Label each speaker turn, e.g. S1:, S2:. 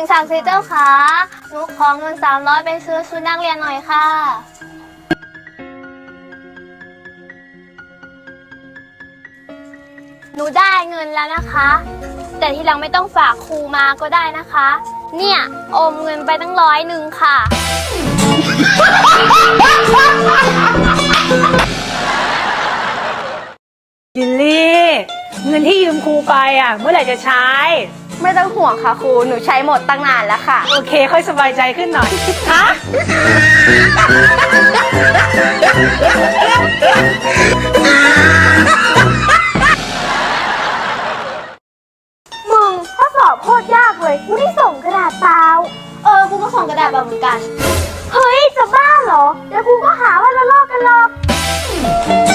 S1: ศักดิ์สิทธิ์เจ้าค่ะหนูขอเงิน300ไปซื้อชุดนักเรียนหน่อยค่ะหนูได้เงินแล้วนะคะแต่ทีหลังไม่ต้องฝากครูมาก็ได้นะคะเนี่ยอมเงินไปตั้ง100ค่ะ
S2: ยินลี่เงินที่ยืมครูไปเมื่อไหร่จะใช้
S1: ไม่ต้องห่วงค่ะครูหนูใช้หมดตั้งนานแล้วค่ะ
S2: โอเคค่อยสบายใจขึ้นหน่อยฮะ
S1: มึงข้อสอบโคตรยากเลยกูได้ส่งกระดาษเปล่ากูก็ส่งกระดาษเปล่าเหมือนกันเฮ้ยจะบ้าเหรอเดี๋ยวกูก็หาว่าเราลอกกันหรอก